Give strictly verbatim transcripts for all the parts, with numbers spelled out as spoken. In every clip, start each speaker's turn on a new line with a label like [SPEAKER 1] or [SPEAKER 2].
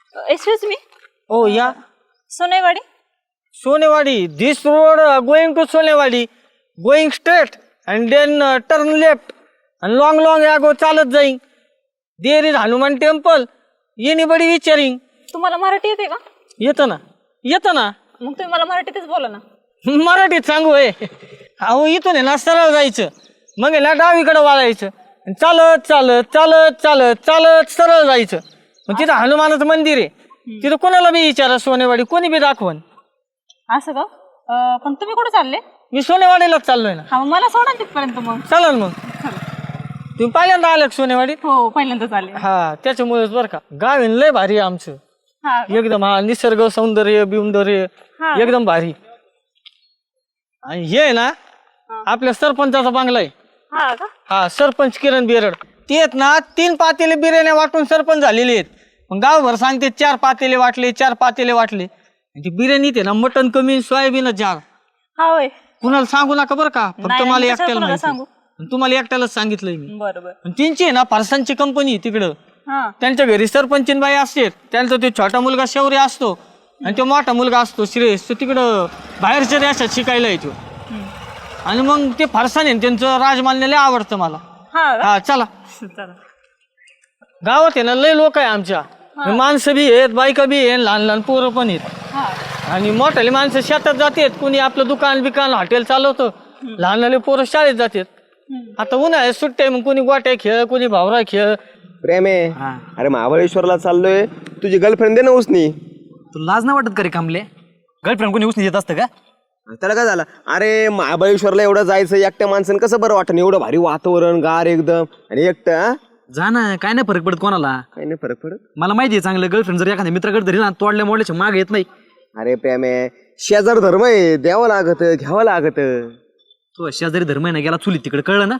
[SPEAKER 1] Excuse me.
[SPEAKER 2] Oh या
[SPEAKER 1] Sonewadi.
[SPEAKER 2] Sonewadi. This road going to Sonewadi. Going straight and then turn left and long long या go चालत जाईन. There is Hanuman temple. Anybody विचारिंग.
[SPEAKER 1] तुम्हाला मराठी येते का?
[SPEAKER 2] येतं ना येतं ना.
[SPEAKER 1] मग तुम्ही मला मराठीतच बोला ना.
[SPEAKER 2] मराठीत सांगू हे. अहो इथून आहे ना सरळ जायचं, मग आहे ना डावीकडे वाळायचं, आणि चालत चालत चालत चालत चालत सरळ जायचं. मग तिथं हनुमानाचं मंदिर आहे. तिथं कोणाला बी विचारा सोनेवाडी, कोणी बी दाखवण.
[SPEAKER 1] असं का? अं, पण तुम्ही कुठे चालले?
[SPEAKER 2] मी सोनेवाडीलाच चाललोय ना.
[SPEAKER 1] हा, मग मला सोडा तिथपर्यंत. मग
[SPEAKER 2] चालेल. मग तुम्ही पहिल्यांदा आलं का सोनेवाडीत?
[SPEAKER 1] हो, पहिल्यांदा चालले.
[SPEAKER 2] हा त्याच्यामुळेच बरं का. गाव आहे ना लय भारी आहे आमचं.
[SPEAKER 1] हा
[SPEAKER 2] एकदम. हा निसर्ग सौंदर्य बिवंदर्य एकदम भारी. आणि हे आहे ना आपल्या सरपंचाचा बंगला आहे.
[SPEAKER 1] हा का?
[SPEAKER 2] हा सरपंच किरण बिरड. ते आहेत ना तीन पातेले बिर्याण्या वाटून सरपंच झालेले आहेत. मग गावभर सांगते चार पातेले वाटले चार पातेले वाटले. ती बिर्याणी ते ना मटन कमी सोयाबीन जार.
[SPEAKER 1] हा होय.
[SPEAKER 2] कुणाला सांगू नका बरं का. फक्त
[SPEAKER 1] नाही,
[SPEAKER 2] मला
[SPEAKER 1] नाही,
[SPEAKER 2] एकट्याला
[SPEAKER 1] कशाला
[SPEAKER 2] माहिती.
[SPEAKER 1] सांगू?
[SPEAKER 2] तुम्हाला एकट्यालाच सांगितलंय मी.
[SPEAKER 1] बरोबर.
[SPEAKER 2] त्यांची आहे ना फारसांची कंपनी तिकडं.
[SPEAKER 1] हा
[SPEAKER 2] त्यांच्या घरी सरपंचीन बाई असते. त्यांचा तो छोटा मुलगा शौर्य असतो आणि तो मोठा मुलगा असतो श्रेयस. तो तिकडं बाहेरच्या देशात शिकायला येतो. आणि मग ते फारसाने त्यांचं राजमान्य लय आवडतं मला.
[SPEAKER 1] हा का?
[SPEAKER 2] हा चला.
[SPEAKER 1] चला.
[SPEAKER 2] गावात आहे ना लय लोक आहे आमच्या. माणसं बी आहेत, बायका बी आहेत, लहान लहान पोरं पण आहेत.
[SPEAKER 1] हा
[SPEAKER 2] आणि मोठाले माणसं शेतात जातात, कुणी आपलं दुकान बिकान हॉटेल चालवतं. लहान लहान पोरं शाळेत जातात. आता उन्हाळ्यात सुट्ट्या आहे, मग कुणी गोट्या खेळ, कुणी भावरा खेळ.
[SPEAKER 3] प्रेम आहे. अरे महाबळेश्वरला चाललोय, तुझी गर्लफ्रेंड दे ना उसनी.
[SPEAKER 4] तू लाज नाही वाटत का रे कामले? गर्लफ्रेंड कोणी उसनी देत असतं का?
[SPEAKER 3] त्याला काय झालं? अरे महाबळेश्वरला एवढं जायचं एकट्या माणसानं कसं बरं वाटतं? एवढं भारी वातावरण, गार एकदम, आणि एकटं. हा
[SPEAKER 4] जा ना, काय नाही फरक पडत कोणाला.
[SPEAKER 3] काही नाही फरक पडत.
[SPEAKER 4] मला माहिती आहे चांगलं, गर्लफ्रेंड जर एखाद्या मित्राकडे धरी ना तोडल्या मोडल्याच्या माग येत नाही.
[SPEAKER 3] अरे प्रेम आहे, शेजार धर्म आहे, द्यावं लागत, घ्यावं लागत.
[SPEAKER 4] तो शेजारी धर्म आहे ना गेला चुलीत तिकडे, कळलं ना?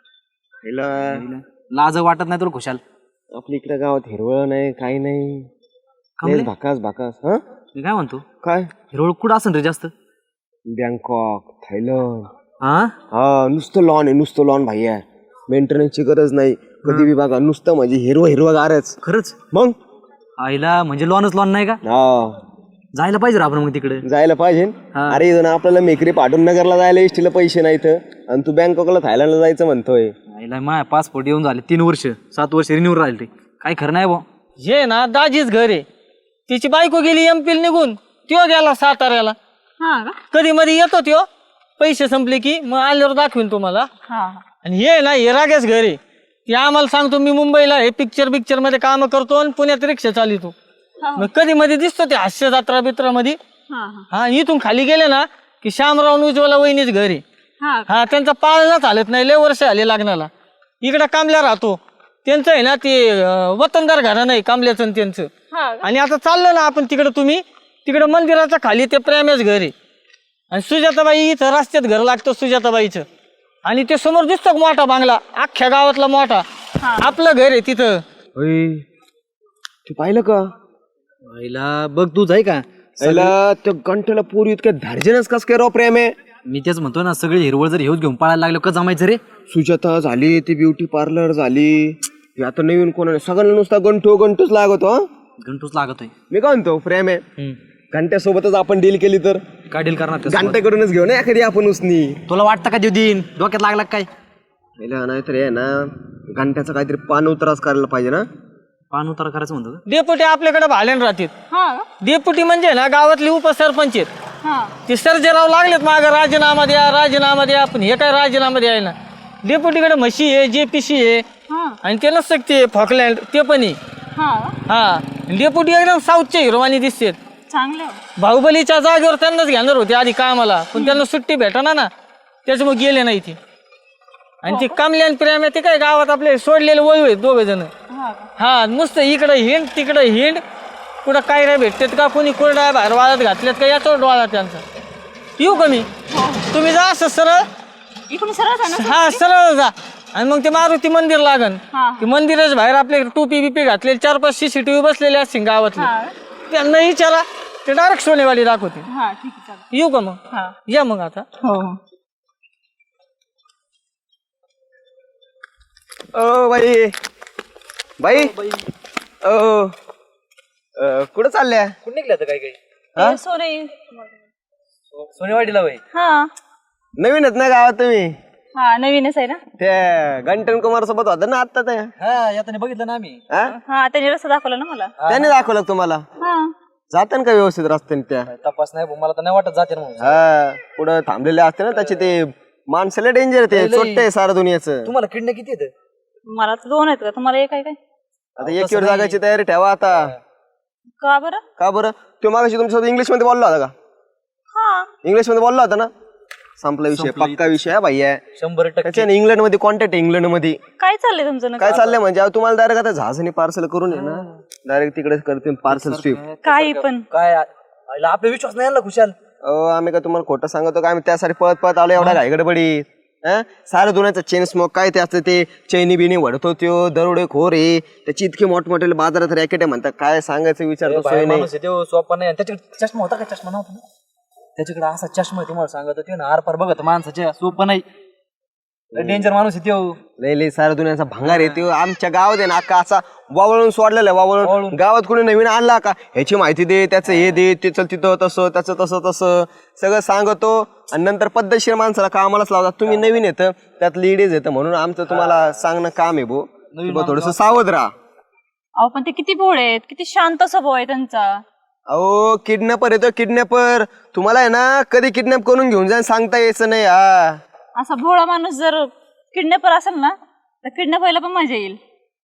[SPEAKER 4] लाज वाटत नाही तुला खुशाल?
[SPEAKER 3] आपल्या इकडे गावात हिरवळ नाही, काही नाही, भाकास भाकास. हा
[SPEAKER 4] मी काय म्हणतो,
[SPEAKER 3] काय
[SPEAKER 4] हिरवळ कुठं असेल रे जास्त?
[SPEAKER 3] Bangkok, Thailand.
[SPEAKER 4] हा
[SPEAKER 3] हा नुसतं लॉन आहे, नुसतं लॉन भाई आहे. मेंटेनन्सची गरज नाही कधी बी बघा, नुसतं म्हणजे हिरवं हिरवं गारच.
[SPEAKER 4] खरंच?
[SPEAKER 3] मग
[SPEAKER 4] आईला म्हणजे लॉनच लॉन नाही का?
[SPEAKER 3] हा
[SPEAKER 4] जायला पाहिजे रे आपण मग तिकडे.
[SPEAKER 3] जायला पाहिजे. अरे इथं आपल्याला मेकरी पाठवून नगरला जायला एसटीला पैसे नाहीत, आणि तू बँकॉकला थायलंडला जायचं म्हणतोय.
[SPEAKER 4] आईला माय पासपोर्ट येऊन झाले तीन वर्ष, सात वर्ष रिन्यू राहिले. काय खरं नाही बा.
[SPEAKER 2] हे ना दाजीच घर आहे. तिची बायको गेली एमपील निघून, त्यो गेला साताऱ्याला.
[SPEAKER 1] हा का?
[SPEAKER 2] कधी मध्ये येतो त्यो, पैसे संपले की मग आल्यावर दाखवीन तुम्हाला.
[SPEAKER 1] हा
[SPEAKER 2] आणि हे ना हे रागेच घर आहे. ते आम्हाला सांगतो मी मुंबईला हे पिक्चर पिक्चर मध्ये काम करतो आणि पुण्यात रिक्षा चालितो. मग कधी मध्ये दिसतो ते हास्य जत्रा बित्रा मध्ये.
[SPEAKER 1] हा
[SPEAKER 2] हा इथून खाली गेले ना की श्यामराव उज्ज्वला वहिनीच घर आहे.
[SPEAKER 1] हा
[SPEAKER 2] हा त्यांचा पाळणा चालत नाही, लय वर्ष आले लग्नाला. इकडं कामल्या राहतो. त्यांचं आहे ना ते अं, वतनदार घरा नाही कामल्याचं आणि त्यांचं.
[SPEAKER 1] हा
[SPEAKER 2] आणि आता चाललं ना आपण तिकडं, तुम्ही तिकडं मंदिराच्या खाली ते प्रेमेच घर आहे. आणि सुजाताबाई इथं रस्त्यात घर लागतं सुजाताबाईचं. आणि ते समोर दिसतो मोठा बांगला, अख्ख्या गावातला मोठा. आपलं घर आहे तिथं.
[SPEAKER 3] तू पाहिलं का?
[SPEAKER 4] आईला बघ तू जाय का?
[SPEAKER 3] त्याला त्या घंटेला पोरी इतक्या धार्जिनच कस काय राव प्रेम आहे.
[SPEAKER 4] मी तेच म्हणतो ना, सगळे हिरवळ जर हेच घेऊन पळायला लागलो का जमायचं रे?
[SPEAKER 3] सुजाता झाली, ती ब्युटी पार्लर झाली, ती आता नवीन कोणा सगळ्यांना नुसता गंठू गंठूच लागतो.
[SPEAKER 4] घंटूच लागतोय.
[SPEAKER 3] मी काय म्हणतो प्रेम आहे, घंट्यासोबतच आपण डील केली तर
[SPEAKER 4] काय डील करणार?
[SPEAKER 3] घंट्याकडूनच घेऊ ना एखादी आपण उसनी.
[SPEAKER 4] तुला वाटतं का देऊ देईन? डोक्यात लागला काय?
[SPEAKER 3] नाहीतर आहे ना घंट्याचं काहीतरी पान उतराच करायला पाहिजे ना.
[SPEAKER 4] पान उतारा करायचं म्हणतो का?
[SPEAKER 2] डेपुटी आपल्याकडे भाल्यान राहतात.
[SPEAKER 1] हा
[SPEAKER 2] डेपुटी म्हणजे ना गावातले उपसरपंच आहेत.
[SPEAKER 1] हा
[SPEAKER 2] ते सर्जेराव लागलेत मागं राजीनामा द्या राजीनामा द्या, पण हे काय राजीनामा द्यायला. डेपुटीकडे म्हशी आहे, जेपीसी आहे,
[SPEAKER 1] हा
[SPEAKER 2] आणि ते नसतं ते फॉकलँड ते पण आहे.
[SPEAKER 1] हा
[SPEAKER 2] हा डेपुटी एकदम साऊथचे हिरोवानी दिसतात.
[SPEAKER 1] चांगलं.
[SPEAKER 2] बाहुबलीच्या जागेवर त्यांनाच घेणार होते आधी कामाला, पण त्यांना सुट्टी भेटना ना, त्याच्यामुळे गेले नाही ते. आणि ते कमल्यान प्रेम ते काय गावात आपले सोडलेले वळू आहेत दोघे जण. हा नुसतं इकडं हिंड तिकडं हिंड, कुठं काय काय भेटतात का, कोणी कोरडा बाहेर वाळत घातल्यात का, याच्यावर डोळा त्यांचा. येऊ का मी? तुम्ही जा असं सरळ.
[SPEAKER 1] इकडून सरळ जा ना.
[SPEAKER 2] हा सरळ जा, आणि मग ते मारुती मंदिर लागन.
[SPEAKER 1] हा.
[SPEAKER 2] ते मंदिराच्या बाहेर आपले टोपी बिपी घातलेले चार पाच सीसीटीव्ही बसलेले असतील गावातले. त्यांना विचारा, ते डायरेक्ट सोनेवाडी दाखवते.
[SPEAKER 1] हा ठीक आहे चालेल.
[SPEAKER 2] येऊ का मग?
[SPEAKER 1] हा
[SPEAKER 2] या मग आता.
[SPEAKER 1] हो
[SPEAKER 3] ओ बाई बाई ओ अं, कुठं चालल्या
[SPEAKER 4] कुठे निघलं आता काय काही
[SPEAKER 1] ते सोने
[SPEAKER 4] सोनेवाडीला वय
[SPEAKER 1] हा
[SPEAKER 3] नवीनच ना गावात तुम्ही
[SPEAKER 1] हा नवीनच आहे ना
[SPEAKER 3] त्या गंटन कुमार सोबत होता ना आता त्या
[SPEAKER 4] हा यातने बघितलं ना आम्ही
[SPEAKER 3] हा?
[SPEAKER 1] हा त्याने रस्ता दाखवला ना मला
[SPEAKER 3] त्याने दाखवलं का तुम्हाला
[SPEAKER 1] हा
[SPEAKER 3] जातं का व्यवस्थित रस्त्याने त्या
[SPEAKER 4] तपास नाही भाऊ, मला तर नाही वाटत जाते ना म्हणून.
[SPEAKER 3] हा पुढं थांबलेले असते ना त्याचे ते माणसाला डेंजर ते चोट्टे सारा दुनियाचं
[SPEAKER 4] तुम्हाला किडने किती येतं
[SPEAKER 1] मला तर दोन आहेत का तुम्हाला एक आहे काय
[SPEAKER 3] आता एकीवर जागायची तयारी ठेवा आता
[SPEAKER 1] का बरं
[SPEAKER 3] का बरं तो मागाशी तुमच्यासोबत इंग्लिश मध्ये बोलला होता का
[SPEAKER 1] हा
[SPEAKER 3] इंग्लिश मध्ये बोलला होता ना संपला विषय पक्का विषय आहे भाई आहे
[SPEAKER 4] शंभर टक्के
[SPEAKER 3] त्याच्याने इंग्लंड मध्ये कॉन्टॅक्ट इंग्लंड मध्ये
[SPEAKER 1] काय चाललंय तुमचं
[SPEAKER 3] काय
[SPEAKER 1] नक्की?
[SPEAKER 3] चाललंय म्हणजे आता तुम्हाला डायरेक्ट आता जहाजाने पार्सल करून आहे ना डायरेक्ट तिकडे करते पार्सल स्वीप
[SPEAKER 1] काही पण
[SPEAKER 4] काय आईला आपला विश्वास नाही आला खुशाल
[SPEAKER 3] अहो आम्ही का तुम्हाला खोटं सांगतो का आम्ही त्यासाठी पळत पळत आलो एवढा घाईगडबडी सारं दुनियाचं चेन स्मोक काय ते असतं ते चैनी बिनी वडतो त्यो दरोडे खोर आहे त्याची इतके मोठमोठे बाजारात रॅकेट आहे म्हणतात काय सांगायचं विचारतो सोय नाही
[SPEAKER 4] माणूस आहे तो सोपा नाही आणि त्याच्याकडे चष्मा होता का चष्मा नव्हता ना त्याच्याकडे असा चष्मा आहे तुम्हाला सांगत ते ना आरपार बघत माणसाच्या सोपं नाही डेंजर माणूस आहे तो
[SPEAKER 3] लय लय सारा दुनियाचा भंगार आहे त्यो आमच्या गावात आहे ना अख्खा असा वावळून सोडलेला आहे वावळून गावात कोणी नवीन आणला का ह्याची माहिती दे त्याचं हे दे ते चल तिथं तसं त्याचं तसं तसं सगळं सांगतो आणि नंतर पद्धतशीर माणसाला कामालाच लावतात तुम्ही नवीन येतं त्यात लेडीज येतं म्हणून आमचं तुम्हाला सांगणं काम आहे भो थोडस सावध राहा
[SPEAKER 1] अहो पण ते किती भोळे आहेत किती शांत स्वभाव आहे त्यांचा
[SPEAKER 3] अहो किडनॅपर येतो किडनॅपर तुम्हाला आहे ना कधी किडनॅप करून घेऊन जाईन सांगता यायचं नाही हा
[SPEAKER 1] असा भोळा माणूस जर किडनॅपर असेल ना तर किडनॅप व्हायला पण मजा येईल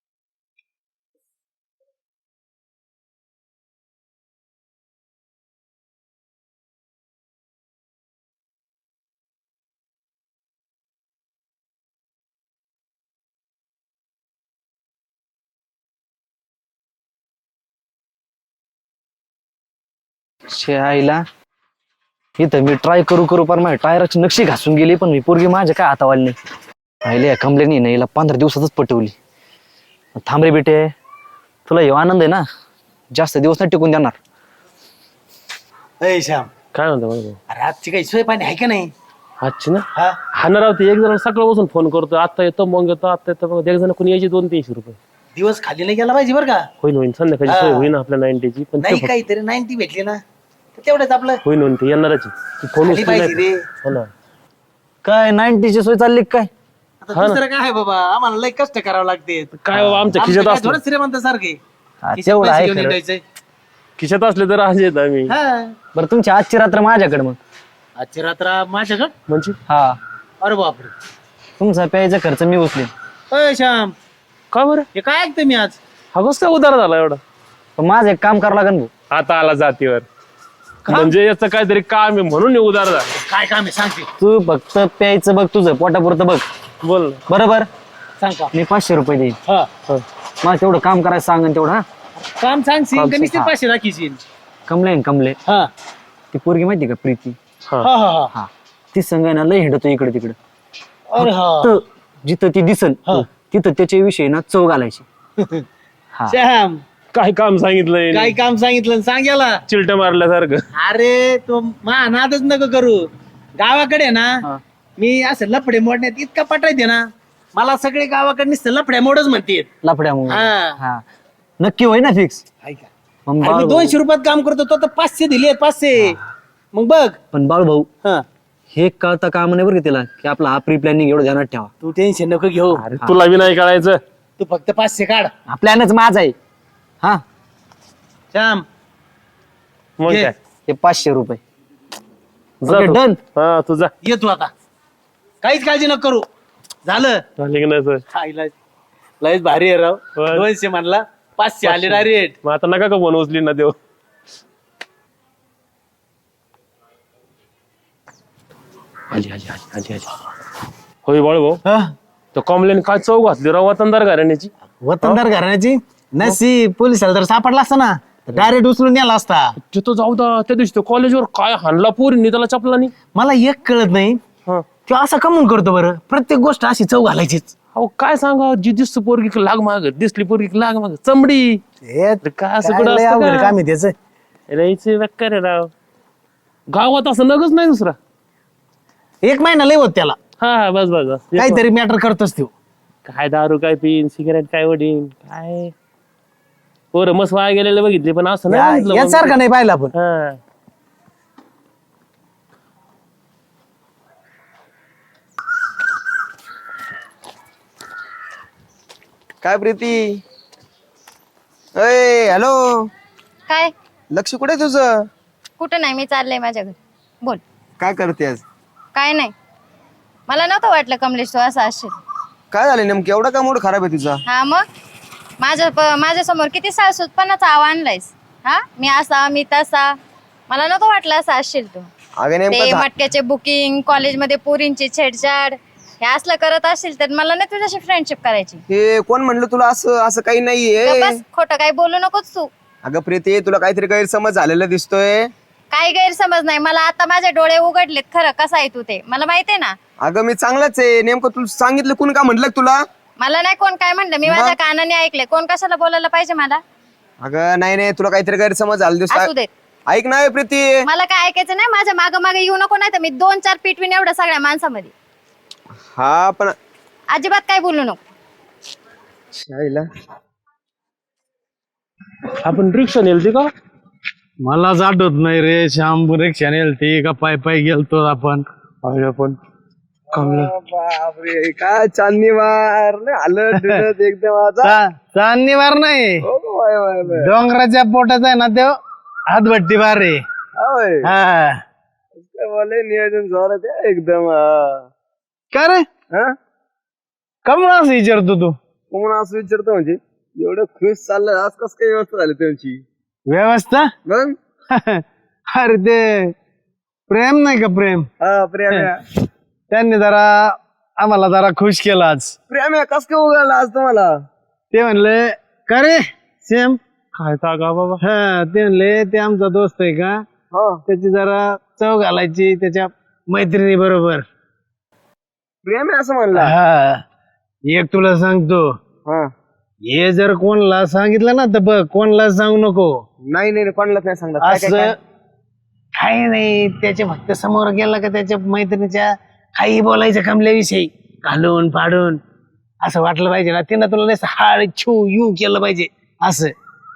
[SPEAKER 5] शे आईला इथं मी ट्राय करू करू पण माझ्या टायराची नक्षी घासून गेली पण मी पोरगी माझ्या काय हातावाली नाही आईले कमलेनी नाही हिला पंधरा दिवसातच पटवली थांब रे बेटे तुला हे आनंद आहे ना जास्त दिवस नाही टिकून देणार
[SPEAKER 6] अय श्याम
[SPEAKER 7] काय म्हणतो माहिती
[SPEAKER 6] अरे आजची काही सोय पाणी आहे का नाही
[SPEAKER 7] आजची ना
[SPEAKER 6] हा
[SPEAKER 7] हाणार राहते एक जण सकाळ बसून फोन करतो आता येतो मग येतो आता येतो मग एक जण कोणी यायची दोन तीनशे रुपये
[SPEAKER 6] दिवस खाली नाही गेला पाहिजे बरं का
[SPEAKER 7] होईन होईन संध्याकाळी
[SPEAKER 6] हा.
[SPEAKER 7] सोय होईन आपल्या नाईन्टीची पण ते
[SPEAKER 6] नाही
[SPEAKER 7] फक्त-
[SPEAKER 6] काहीतरी नाईन्टी भेटली ना तर तेवढंच आपलं
[SPEAKER 7] होईन होईन ते येणारच आहे. फोन
[SPEAKER 6] खाली
[SPEAKER 7] उचलला
[SPEAKER 6] पाहिजे
[SPEAKER 7] नाही.
[SPEAKER 6] रे
[SPEAKER 7] हो ना
[SPEAKER 5] काय नाईन्टीची सोय चालली का काय
[SPEAKER 6] आता दुसरं काय आहे बाबा आम्हाला लय कष्ट करावं लागते
[SPEAKER 7] काय बाबा आमच्या
[SPEAKER 6] आमचं
[SPEAKER 7] खिशात
[SPEAKER 6] काय
[SPEAKER 7] असलं
[SPEAKER 6] थोडं श्रीमंत सारखे
[SPEAKER 5] हा, तेवढं आहे खरं.
[SPEAKER 6] द्यायचंय
[SPEAKER 7] खिशात असले तर आज येत आम्ही
[SPEAKER 6] हा
[SPEAKER 5] बरं तुमची आजची रात्र माझ्याकडे मग
[SPEAKER 6] आजची रात्र माझ्याकडं
[SPEAKER 7] म्हणजे
[SPEAKER 5] हा
[SPEAKER 6] अरे बापरे
[SPEAKER 5] तुमचा प्यायचा खर्च मी उचलेन
[SPEAKER 6] अय श्याम
[SPEAKER 7] का बरं
[SPEAKER 6] हे काय ऐकतोय मी आज
[SPEAKER 7] हा कसं काय उदार झाला एवढा
[SPEAKER 5] पण माझं एक काम करावं लागेल भाऊ
[SPEAKER 7] आता आला जातीवर म्हणजे याचं काहीतरी काम आहे म्हणून हे उदार झाला
[SPEAKER 6] काय काम आहे सांगते
[SPEAKER 5] तू फक्त प्यायचं बघ तुझं पोटापुरतं बघ
[SPEAKER 7] बोल ना.
[SPEAKER 5] बरोबर
[SPEAKER 6] सांग का
[SPEAKER 5] मी पाचशे रुपये देईन
[SPEAKER 6] हा
[SPEAKER 5] मला तेवढं काम करायचं सांगन तेवढं हा
[SPEAKER 6] काम सांगशील
[SPEAKER 5] काम
[SPEAKER 6] का नुसते
[SPEAKER 5] सांग.
[SPEAKER 6] पाचशे राखीशील
[SPEAKER 5] कमले आहे ना कमले
[SPEAKER 6] हा
[SPEAKER 5] ती पोरगी माहिती का प्रीती
[SPEAKER 7] हा
[SPEAKER 6] हा हा हा
[SPEAKER 5] हा ती संघ आहे ना लय हिंडतो इकडे तिकडे
[SPEAKER 6] अरे हा
[SPEAKER 5] तर जिथं ती दिसन तिथं त्याच्याविषयी ना चव घालायची हा
[SPEAKER 6] श्याम
[SPEAKER 7] काय काम सांगितलंय
[SPEAKER 6] काय काम सांगितलं सांग याला
[SPEAKER 7] चिलट मारल्यासारखं
[SPEAKER 6] अरे तो मा नादच नको करू गावाकडे ना मी असं लफडे मोडण्यात इतका पटायते ना मला सगळे गावाकडे नुसतं लफड्या मोडच म्हणते
[SPEAKER 5] लफड्या मग
[SPEAKER 6] हा.
[SPEAKER 5] हा नक्की होय ना फिक्स मग
[SPEAKER 6] मी
[SPEAKER 5] बाळू भाऊ-
[SPEAKER 6] दोनशे रुपयात काम करतो तो तर पाचशे दिले पाचशे मग बघ
[SPEAKER 5] पण बाळू भाऊ
[SPEAKER 6] हा
[SPEAKER 5] हे कळता काम नाही बरं का तिला की आपला हा प्री प्लॅनिंग एवढं ध्यानात ठेवा
[SPEAKER 6] तू टेन्शन नको घेऊ
[SPEAKER 7] अरे तुला बी नाही कळायचं
[SPEAKER 6] तू फक्त पाचशे काढ
[SPEAKER 5] हा प्लॅनच माझा आहे हा
[SPEAKER 6] श्याम
[SPEAKER 7] मग
[SPEAKER 6] घे.
[SPEAKER 7] काय
[SPEAKER 5] हे पाचशे रुपये
[SPEAKER 7] जा तू.
[SPEAKER 5] डन
[SPEAKER 7] हा तुझा
[SPEAKER 6] ये तू आता काहीच काळजी नको करू झालं
[SPEAKER 7] झाली की नाही सोय?
[SPEAKER 6] खायला लयच भारी आहे राव
[SPEAKER 7] होय.
[SPEAKER 6] दोनशे म्हणला पाचशे आले डायरेक्ट
[SPEAKER 7] मग आता नका का फोन उचली ना देव आली आली आली आली आली होय बाळ भाऊ तो कॉम्प्लेन काय चौक घातली राव वतनदार घराण्याची
[SPEAKER 6] वतनदार घराण्याची नसी पोलिसाला जर सापडला असता ना डायरेक्ट उचलून नेला असता
[SPEAKER 7] तिथं जाऊ दा त्या दिवशी तो कॉलेजवर काय हाणला पोरींनी त्याला चपला नाही
[SPEAKER 6] मला एक कळत नाही
[SPEAKER 7] हा.
[SPEAKER 6] तो असा कमून करतो बरं प्रत्येक गोष्ट अशी चव घालायचीच
[SPEAKER 7] अहो काय सांगा जी दिसतो पोरगी की लाग माग दिसली पोरगी की लाग माग चमडी काय असं कुठं असतं का?
[SPEAKER 6] काम आहे त्याच
[SPEAKER 7] राहायचं बेकार आहे राव गावात असं नगच नाही दुसरा
[SPEAKER 6] एक महिना लय होत त्याला
[SPEAKER 7] हा हा बस बस बस
[SPEAKER 6] काहीतरी मॅटर करतोच तो
[SPEAKER 7] काय दारू काय पिन सिगरेट काय वडीन काय पोरं मस्त वाया गेलेले बघितले पण असं नाही
[SPEAKER 6] या-
[SPEAKER 7] बघितलं मग.
[SPEAKER 6] यासारखं नाही पाहिलं आपण.
[SPEAKER 7] हा.
[SPEAKER 3] काय प्रीती? अय हॅलो,
[SPEAKER 8] काय
[SPEAKER 3] लक्ष कुठे आहे तुझं?
[SPEAKER 8] कुठं नाही, मी चाललंय माझ्या घरी. बोल.
[SPEAKER 3] काय करतेस?
[SPEAKER 8] काय नाही, मला नव्हतं वाटलं कमलेश तू असं असशील.
[SPEAKER 3] काय झालं नेमकं, एवढा का मूड खराब आहे तुझा?
[SPEAKER 8] हा मग माझ्या माझ्या समोर किती सासूतपणाचा आव आणलायस. हा मी असा मी तसा, मला नव्हतं वाटलं असं असशील तू.
[SPEAKER 3] अगं
[SPEAKER 8] ते
[SPEAKER 3] नेमकं झा-
[SPEAKER 8] मटक्याचे बुकिंग, कॉलेजमध्ये पोरींची छेडछाड, हे असलं करत असशील तर मला नाही तुझ्याशी फ्रेंडशिप करायची.
[SPEAKER 3] हे कोण म्हणलं तुला असं? असं काही नाहीये.
[SPEAKER 8] बस खोटं काही बोलू नकोस तू.
[SPEAKER 3] अगं प्रीती, तुला काहीतरी गैरसमज झालेला दिसतोय.
[SPEAKER 8] काही गैरसमज नाही, मला आता माझे डोळे उघडलेत. खरं कसं आहे तू ते मला माहितीये ना.
[SPEAKER 3] अगं मी चांगलाच आहे. नेमकं तुला सांगितलं कोण का म्हटलं तुला?
[SPEAKER 8] मला नाही कोण काय म्हणलं, मी माझ्या कानाने ऐकले. कोण कशाला बोलायला पाहिजे मला?
[SPEAKER 3] अगं नाही नाही, तुला काहीतरी गैरसमज झाला
[SPEAKER 8] असू
[SPEAKER 3] दिसतोय.
[SPEAKER 8] देत,
[SPEAKER 3] ऐक ना प्रीती,
[SPEAKER 8] मला काय ऐकायचं नाही. माझ्या मागे मागे येऊ नको, नाही तर मी दोन चार पिटवीन एवढं सगळ्या माणसामध्ये.
[SPEAKER 3] हा पण
[SPEAKER 8] अजिबात काय बोलू नको.
[SPEAKER 3] शाळेला
[SPEAKER 7] आपण रिक्षा नेलती का?
[SPEAKER 6] मलाच आठवत नाही रे. श्याम रिक्षा नेलती का पाय पाय गेलतो आपण.
[SPEAKER 7] आपण कमलं.
[SPEAKER 3] बापरे, काय चांदणी वार आलं डुलत एकदम आता.
[SPEAKER 6] चांदणीवार नाही,
[SPEAKER 3] हो, वाय, वाय, वाय.
[SPEAKER 6] डोंगराच्या पोटात आहे ना तो हातभट्टी बार रे.
[SPEAKER 3] होय.
[SPEAKER 6] हा
[SPEAKER 3] काय बोले, नियोजन जोरात आहे एकदम. हा.
[SPEAKER 6] का रे,
[SPEAKER 3] हा?
[SPEAKER 6] कमून असं विचारतो तू?
[SPEAKER 3] कोण असं विचारतो म्हणजे? एवढं खुश चाललं, आज कस काय व्यवस्था झाली त्यांची?
[SPEAKER 6] व्यवस्था?
[SPEAKER 3] मग
[SPEAKER 6] अरे ते प्रेम नाही का, प्रेम.
[SPEAKER 3] हा प्रेम आहे.
[SPEAKER 6] त्यांनी जरा आम्हाला जरा खुश केलं आज.
[SPEAKER 3] प्रेम आहे, कस काय उगाला आज तुम्हाला?
[SPEAKER 6] ते म्हणले का रे सेम.
[SPEAKER 7] काय का बाबा?
[SPEAKER 6] हा ते म्हणले ते आमचा दोस्त आहे का,
[SPEAKER 3] हा
[SPEAKER 6] त्याची जरा चव घालायची त्याच्या मैत्रिणी बरोबर.
[SPEAKER 3] प्रेम आहे असं म्हणला?
[SPEAKER 6] हा एक तुला सांगतो,
[SPEAKER 3] हा.
[SPEAKER 6] हे जर कोणला सांगितलं ना तर बघ, कोणला सांगू नको.
[SPEAKER 3] नाही नाही कोणालाच नाही सांगत. काय- काय-
[SPEAKER 6] असं
[SPEAKER 3] काय?
[SPEAKER 6] काही नाही, त्याच्या फक्त समोर गेला का त्याच्या मैत्रिणीच्या काही बोलायचं कमल्याविषयी घालून पाडून असं वाटलं पाहिजे ना. तिनं तुला नाही हाड छू यू केलं पाहिजे असं.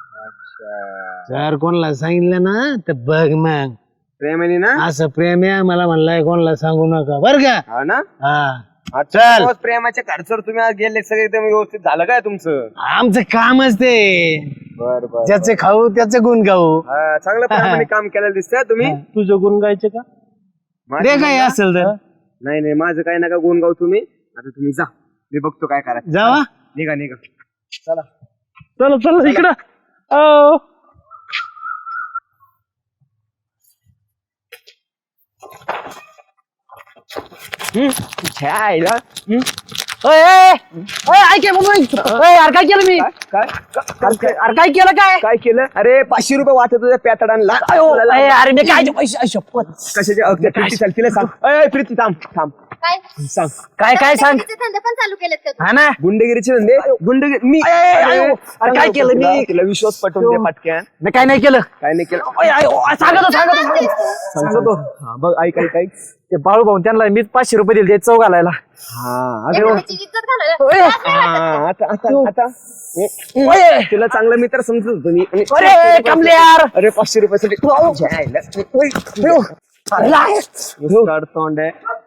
[SPEAKER 6] जर कोणाला सांगितलं ना तर बघ मग
[SPEAKER 3] प्रेमाने ना?
[SPEAKER 6] असं प्रेम आहे मला म्हणलाय कोणाला सांगू नका बर का.
[SPEAKER 3] हा ना.
[SPEAKER 6] हा
[SPEAKER 3] चल, प्रेमाच्या खर्चावर तुम्ही आज गेले सगळे एकदम व्यवस्थित झालं काय तुमचं?
[SPEAKER 6] आमचं कामच ते,
[SPEAKER 3] बर बर.
[SPEAKER 6] ज्याचे खाऊ त्याचे गुण गाऊ.
[SPEAKER 3] हा, चांगलं प्रेमाने काम केलेलं दिसतंय तुम्ही.
[SPEAKER 7] तुझं गुण गायचे का?
[SPEAKER 3] माझं
[SPEAKER 6] रे काय
[SPEAKER 3] गुण
[SPEAKER 6] असेल तर
[SPEAKER 3] गा- नाही नाही, माझं काय नका गुण गाव तुम्ही. आता तुम्ही जा, मी बघतो काय करायचं.
[SPEAKER 6] जावा.
[SPEAKER 3] निघा निघा, चला.
[SPEAKER 7] चला चला इकडं. अहो.
[SPEAKER 3] छायला.
[SPEAKER 6] ऐके यार काय केलं मी,
[SPEAKER 3] काय काय
[SPEAKER 6] अरे काय केलं काय.
[SPEAKER 3] काय केलं? अरे पाचशे रुपये वाटत तुझ्या पॅटाडांना.
[SPEAKER 6] अरे मी काय पैसे शपथ.
[SPEAKER 3] कशाचे? अगदी प्रीती चाल, तिला सांग. अय प्रीती थांब थांब
[SPEAKER 8] काय
[SPEAKER 3] सांग.
[SPEAKER 6] काय काय सांग.
[SPEAKER 8] गुंडगिरीचे धंदे पण चालू केलेत का तू?
[SPEAKER 6] हा ना.
[SPEAKER 3] गुंडगिरीचे धंदे? गुंडगिरी मी
[SPEAKER 6] अय, अय,
[SPEAKER 3] अरे,
[SPEAKER 6] अरे, काय केलं मी?
[SPEAKER 3] तुला- तिला विश्वास पटवून दे पटक्यान.
[SPEAKER 6] मी काय नाही केलं.
[SPEAKER 3] काय नाही केलं.
[SPEAKER 6] अय, अय, अय, सांगतो सांगतो सांगतो.
[SPEAKER 3] सांगतो. हा, बघ ऐक ऐक ऐक.
[SPEAKER 6] ते बाळू भाऊ त्यांना मीच पाचशे रुपये दिले चौ घालायला.
[SPEAKER 3] हा अरे
[SPEAKER 8] एखाद्याची इज्जत घालवलं.
[SPEAKER 6] ओय.
[SPEAKER 3] हा, आता आता आता
[SPEAKER 6] ओय.
[SPEAKER 3] तुला चांगला मित्र समजत होतो मी. आणि-
[SPEAKER 6] अरे कमले यार.
[SPEAKER 3] अरे पाचशे रुपयासाठी जायला.
[SPEAKER 6] अरे,
[SPEAKER 3] तोंड आहे.